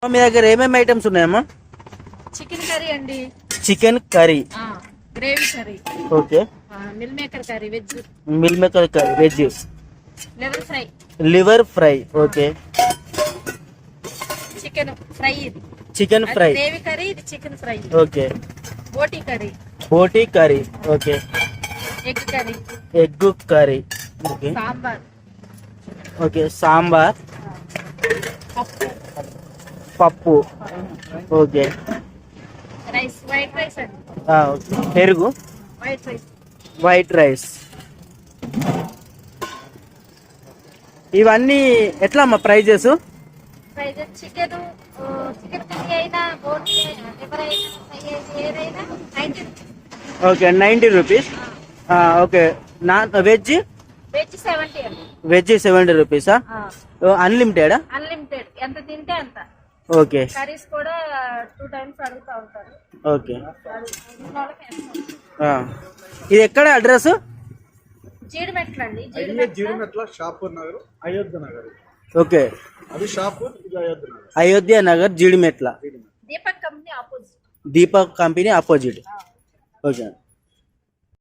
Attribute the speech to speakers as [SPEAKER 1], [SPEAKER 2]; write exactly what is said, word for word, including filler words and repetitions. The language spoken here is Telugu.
[SPEAKER 1] మీ దగ్గర ఏమేమి ఐటమ్స్ ఉన్నాయమ్మా?
[SPEAKER 2] చికెన్ కర్రీ అండి.
[SPEAKER 1] Chicken curry,
[SPEAKER 2] gravy curry,
[SPEAKER 1] okay.
[SPEAKER 2] Meal maker curry veg,
[SPEAKER 1] meal maker curry veg,
[SPEAKER 2] liver fry,
[SPEAKER 1] liver fry, okay.
[SPEAKER 2] Chicken fry, ఇది
[SPEAKER 1] చికెన్ ఫ్రై,
[SPEAKER 2] గ్రేవీ కర్రీ, ఇది చికెన్ ఫ్రై,
[SPEAKER 1] ఓకే.
[SPEAKER 2] బోటీ కర్రీ,
[SPEAKER 1] బోటీ curry, okay.
[SPEAKER 2] Egg curry,
[SPEAKER 1] egg curry, okay.
[SPEAKER 2] Sambar,
[SPEAKER 1] okay. Sambar,
[SPEAKER 2] పప్పు,
[SPEAKER 1] పప్పు, ఓకే.
[SPEAKER 2] రైస్, వైట్ రైస్ అండి.
[SPEAKER 1] ఆ, ఓకే. పెరుగు,
[SPEAKER 2] వైట్ రైస్,
[SPEAKER 1] వైట్ రైస్. ఇవన్నీ ఎట్లా అమ్మా prices?
[SPEAKER 2] Price chicken chicken curry అయినా, బోటీ లివర్ అయినా, ఫ్రై అయినా, ఏదైనా ninety rupees.
[SPEAKER 1] Okay, ninety rupees. Okay. Non veg?
[SPEAKER 2] Veg seventy అండి.
[SPEAKER 1] వెజ్ సెవెంటీ రూపీసా? అన్లిమిటెడా?
[SPEAKER 2] అన్లిమిటెడ్, ఎంత తింటే అంత.
[SPEAKER 1] ఓకే.
[SPEAKER 2] కర్రీస్ కూడా టూ టైమ్స్ అడుగుతా ఉంటారు.
[SPEAKER 1] ఓకే. ఇది ఎక్కడ అడ్రస్?
[SPEAKER 2] జీడిమెట్ల అండి.
[SPEAKER 3] జీడిమెట్ల షాపూర్ నగర్, అయోధ్య నగర్.
[SPEAKER 1] ఓకే.
[SPEAKER 3] అది షాపూర్, ఇది Ayodhya Nagar.
[SPEAKER 1] Ayodhya Nagar, Jeedimetla.
[SPEAKER 2] Deepak company opposite.
[SPEAKER 1] Deepak company opposite. Okay.